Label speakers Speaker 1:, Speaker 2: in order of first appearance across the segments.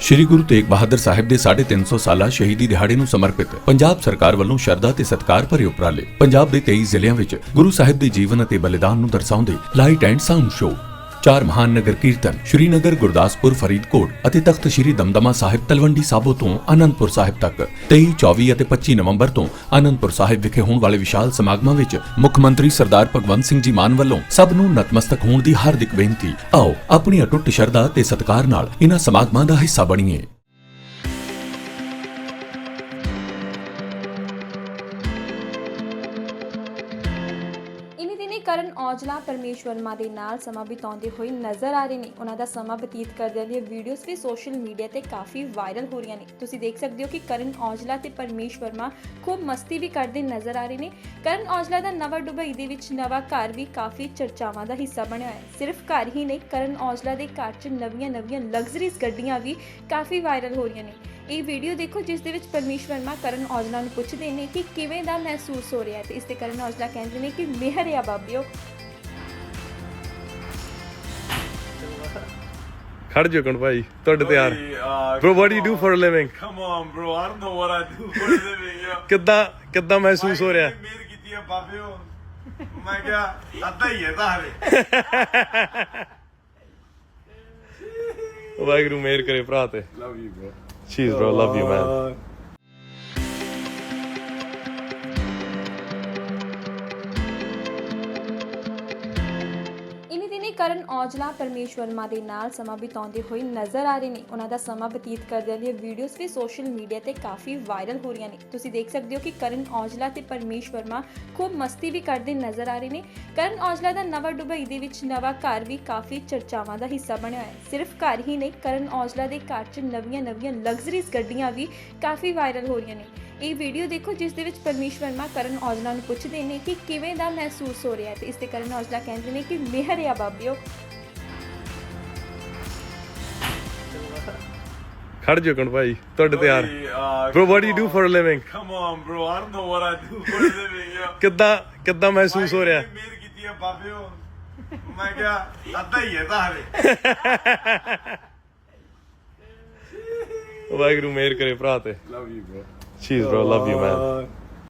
Speaker 1: ਸ਼੍ਰੀ ਗੁਰੂ ਤੇਗ ਬਹਾਦਰ ਸਾਹਿਬ ਦੇ 350 ਸਾਲਾ ਸ਼ਹੀਦੀ ਦਿਹਾੜੇ ਨੂੰ ਸਮਰਪਿਤ ਪੰਜਾਬ ਸਰਕਾਰ ਵੱਲੋਂ ਸ਼ਰਧਾ ਤੇ ਸਤਿਕਾਰ ਭਰੇ ਉਪਰਾਲੇ। ਪੰਜਾਬ ਦੇ 23 ਜ਼ਿਲ੍ਹਿਆਂ ਵਿੱਚ ਗੁਰੂ ਸਾਹਿਬ ਦੇ ਜੀਵਨ ਅਤੇ ਬਲੀਦਾਨ ਨੂੰ ਦਰਸਾਉਂਦੇ ਲਾਈਟ ਐਂਡ ਸਾਊਂਡ ਸ਼ੋਅ, 4 ਮਹਾਨ ਨਗਰ ਕੀਰਤਨ ਸ਼੍ਰੀਨਗਰ, ਗੁਰਦਾਸਪੁਰ, ਫਰੀਦਕੋਟ ਅਤੇ ਤਖਤ ਸ਼੍ਰੀ ਦਮਦਮਾ ਸਾਹਿਬ ਤਲਵੰਡੀ ਸਾਬੋ ਤੋਂ ਆਨੰਦਪੁਰ ਸਾਹਿਬ ਤੱਕ 23, 24 ਅਤੇ 25 ਨਵੰਬਰ ਤੋਂ ਆਨੰਦਪੁਰ ਸਾਹਿਬ ਵਿਖੇ ਹੋਣ ਵਾਲੇ ਵਿਸ਼ਾਲ ਸਮਾਗਮਾਂ ਵਿੱਚ ਮੁੱਖ ਮੰਤਰੀ ਸਰਦਾਰ ਭਗਵੰਤ ਸਿੰਘ ਜੀ ਮਾਨ ਵੱਲੋਂ ਸਭ ਨੂੰ ਨਤਮਸਤਕ ਹੋਣ ਦੀ ਹਾਰਦਿਕ ਬੇਨਤੀ। ਆਓ ਆਪਣੀ ਅਟੁੱਟ ਸ਼ਰਧਾ ਤੇ ਸਤਿਕਾਰ ਨਾਲ ਇਹਨਾਂ ਸਮਾਗਮਾਂ ਦਾ ਹਿੱਸਾ ਬਣੀਏ।
Speaker 2: ਕਰਨ ਔਜਲਾ ਪਰਮੇਸ਼ ਵਰਮਾ ਦੇ ਨਾਲ ਸਮਾਂ ਬਿਤਾਉਂਦੇ ਹੋਏ ਨਜ਼ਰ ਆ ਰਹੇ ਨੇ। ਉਹਨਾਂ ਦਾ ਸਮਾਂ ਬਤੀਤ ਕਰਦਿਆਂ ਦੀਆਂ ਵੀਡੀਓਜ਼ ਵੀ ਸੋਸ਼ਲ ਮੀਡੀਆ ਤੇ ਕਾਫੀ ਵਾਇਰਲ ਹੋ ਰਹੀਆਂ ਨੇ। ਤੁਸੀਂ ਦੇਖ ਸਕਦੇ ਹੋ ਕਿ ਕਰਨ ਔਜਲਾ ਤੇ ਪਰਮੇਸ਼ ਵਰਮਾ ਖੂਬ ਮਸਤੀ ਵੀ ਕਰਦੇ ਨਜ਼ਰ ਆ ਰਹੇ ਨੇ। ਕਰਨ ਔਜਲਾ ਦਾ ਨਵਾਂ ਦੁਬਈ ਦੇ ਵਿੱਚ ਨਵਾਂ ਘਰ ਵੀ ਕਾਫੀ ਚਰਚਾਵਾਂ ਦਾ ਹਿੱਸਾ ਬਣਿਆ ਹੈ। ਸਿਰਫ ਘਰ ਹੀ ਨਹੀਂ, ਕਰਨ ਔਜਲਾ ਦੇ ਘਰ 'ਚ ਨਵੀਆਂ ਲਗਜ਼ਰੀਜ਼ ਗੱਡੀਆਂ ਵੀ ਕਾਫੀ ਵਾਇਰਲ ਹੋ ਰਹੀਆਂ ਨੇ। ਇਹ ਵੀਡੀਓ ਦੇਖੋ ਜਿਸ ਦੇ ਵਿੱਚ ਪਰਮੇਸ਼ ਵਰਮਾ ਕਰਨ ਔਜਲਾ ਨੂੰ ਪੁੱਛਦੇ ਨੇ ਕਿ ਕਿਵੇਂ ਦਾ ਮਹਿਸੂਸ ਹੋ ਰਿਹਾ ਹੈ ਤੇ ਇਸ ਤੇ ਕਰਨ ਔਜਲਾ ਕਹਿੰਦੇ ਨੇ ਕਿ ਮਿਹਰ ਆ ਬਾਬਿਓ।
Speaker 3: ਖੜ ਜੋ ਕਣ ਭਾਈ ਤੁਹਾਡੇ ਤੇ ਯਾਰ bro what do you do for a living?
Speaker 4: Come on bro, I don't know what I do for a living yo.
Speaker 3: ਕਿੱਦਾਂ ਮਹਿਸੂਸ ਹੋ ਰਿਹਾ?
Speaker 4: ਮੇਰ ਕੀਤੀ ਆ ਬਾਬਿਓ। ਮੈਂ ਕਿਹਾ ਅੱਧਾ ਹੀ ਹੈ ਤਾਂ ਹਲੇ।
Speaker 3: ਵਾਹਿਗੁਰੂ ਮਿਹਰ ਕਰੇ ਭਰਾ ਤੇ।
Speaker 4: Love you bro.
Speaker 3: Cheers bro, love you man.
Speaker 2: ਕਰਨ ਔਜਲਾ ਪਰਮੇਸ਼ ਵਰਮਾ ਦੇ ਨਾਲ ਸਮਾਂ ਬਿਤਾਉਂਦੇ ਹੋਏ ਨਜ਼ਰ ਆ ਰਹੇ ਨੇ। ਉਹਨਾਂ ਦਾ ਸਮਾਂ ਬਤੀਤ ਕਰਦਿਆਂ ਦੀਆਂ ਵੀਡੀਓਜ਼ ਵੀ ਸੋਸ਼ਲ ਮੀਡੀਆ ਤੇ ਕਾਫੀ ਵਾਇਰਲ ਹੋ ਰਹੀਆਂ ਨੇ। ਤੁਸੀਂ ਦੇਖ ਸਕਦੇ ਹੋ ਕਿ ਕਰਨ ਔਜਲਾ ਤੇ ਪਰਮੇਸ਼ ਵਰਮਾ ਖੂਬ ਮਸਤੀ ਵੀ ਕਰਦੇ ਨਜ਼ਰ ਆ ਰਹੇ ਨੇ। ਕਰਨ ਔਜਲਾ ਦਾ ਨਵਾਂ ਦੁਬਈ ਦੇ ਵਿੱਚ ਨਵਾਂ ਘਰ ਵੀ ਕਾਫੀ ਚਰਚਾਵਾਂ ਦਾ ਹਿੱਸਾ ਬਣਿਆ ਹੈ। ਸਿਰਫ ਘਰ ਹੀ ਨਹੀਂ, ਕਰਨ ਔਜਲਾ ਦੇ ਘਰ 'ਚ ਨਵੀਆਂ ਲਗਜ਼ਰੀਜ਼ ਗੱਡੀਆਂ ਵੀ ਕਾਫੀ ਵਾਇਰਲ ਹੋ ਰਹੀਆਂ ਨੇ। ਇਹ ਵੀਡੀਓ ਦੇਖੋ ਜਿਸ ਦੇ ਵਿੱਚ ਪਰਮੇਸ਼ ਵਰਮਾ ਕਰਨ ਔਜਲਾ ਨੂੰ ਪੁੱਛਦੇ ਨੇ ਕਿ ਕਿਵੇਂ ਦਾ ਮਹਿਸੂਸ ਹੋ ਰਿਹਾ ਹੈ ਤੇ ਇਸ ਤੇ ਕਰਨ ਔਜਲਾ ਕਹਿੰਦੇ ਨੇ ਕਿ ਮਿਹਰ ਆ ਬਾਬਿਓ।
Speaker 3: ਖੜ ਜੋ ਕਣ ਭਾਈ ਤੁਹਾਡੇ ਤੇ ਯਾਰ bro what do you do for a living?
Speaker 4: Come on bro, I don't know what I do for a living yo.
Speaker 3: ਕਿੱਦਾਂ ਮਹਿਸੂਸ ਹੋ ਰਿਹਾ?
Speaker 4: ਮੇਰ ਕੀਤੀ ਆ ਬਾਬਿਓ। ਮੈਂ ਕਿਹਾ ਅੱਧਾ ਹੀ ਹੈ ਤਾਂ ਹਲੇ।
Speaker 3: ਵਾਹਿਗੁਰੂ ਮਿਹਰ ਕਰੇ ਭਰਾ ਤੇ।
Speaker 4: Love you bro.
Speaker 3: Cheers bro, love you man.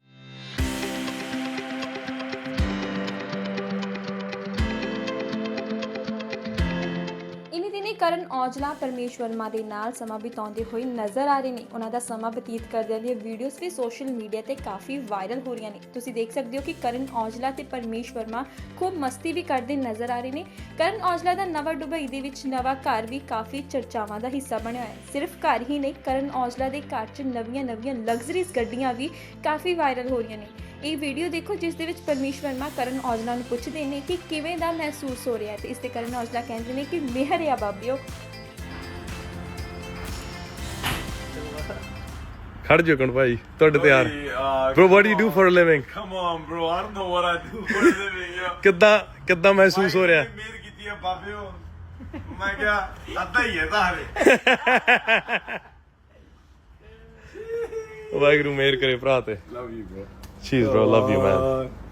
Speaker 2: ਕਰਨ ਔਜਲਾ ਪਰਮੇਸ਼ ਵਰਮਾ ਦੇ ਨਾਲ ਸਮਾਂ ਬਿਤਾਉਂਦੇ ਹੋਏ ਨਜ਼ਰ ਆ ਰਹੇ ਨੇ। ਉਹਨਾਂ ਦਾ ਸਮਾਂ ਬਤੀਤ ਕਰਦਿਆਂ ਦੀਆਂ ਵੀਡੀਓਜ਼ ਵੀ ਸੋਸ਼ਲ ਮੀਡੀਆ ਤੇ ਕਾਫੀ ਵਾਇਰਲ ਹੋ ਰਹੀਆਂ ਨੇ। ਤੁਸੀਂ ਦੇਖ ਸਕਦੇ ਹੋ ਕਿ ਕਰਨ ਔਜਲਾ ਤੇ ਪਰਮੇਸ਼ ਵਰਮਾ ਖੂਬ ਮਸਤੀ ਵੀ ਕਰਦੇ ਨਜ਼ਰ ਆ ਰਹੇ ਨੇ। ਕਰਨ ਔਜਲਾ ਦਾ ਨਵਾਂ ਦੁਬਈ ਦੇ ਵਿੱਚ ਨਵਾਂ ਘਰ ਵੀ ਕਾਫੀ ਚਰਚਾਵਾਂ ਦਾ ਹਿੱਸਾ ਬਣਿਆ ਹੈ। ਸਿਰਫ ਘਰ ਹੀ ਨਹੀਂ, ਕਰਨ ਔਜਲਾ ਦੇ ਘਰ 'ਚ ਨਵੀਆਂ ਲਗਜ਼ਰੀਜ਼ ਗੱਡੀਆਂ ਵੀ ਕਾਫੀ ਵਾਇਰਲ ਹੋ ਰਹੀਆਂ ਨੇ। ਇਹ ਵੀਡੀਓ ਦੇਖੋ ਜਿਸ ਦੇ ਵਿੱਚ ਪਰਮੇਸ਼ ਵਰਮਾ ਕਰਨ ਔਜਲਾ ਨੂੰ ਪੁੱਛਦੇ ਨੇ ਕਿ ਕਿਵੇਂ ਦਾ ਮਹਿਸੂਸ ਹੋ ਰਿਹਾ ਹੈ ਤੇ ਇਸ ਤੇ ਕਰਨ ਔਜਲਾ ਕਹਿੰਦੇ ਨੇ ਕਿ ਮਿਹਰ ਆ ਬਾਬਿਓ।
Speaker 3: ਖੜ ਜੋ ਕਣ ਭਾਈ ਤੁਹਾਡੇ ਤੇ ਯਾਰ bro what do you do for a living?
Speaker 4: Come on bro, I don't know what I do for a living yo.
Speaker 3: ਕਿੱਦਾਂ ਮਹਿਸੂਸ ਹੋ ਰਿਹਾ?
Speaker 4: ਮੇਰ ਕੀਤੀ ਆ ਬਾਬਿਓ। ਮੈਂ ਕਿਹਾ ਅੱਧਾ ਹੀ ਹੈ ਤਾਂ ਹਲੇ।
Speaker 3: ਵਾਹਿਗੁਰੂ ਮਿਹਰ ਕਰੇ ਭਰਾ ਤੇ।
Speaker 4: Love you bro.
Speaker 3: Cheers bro, love you man.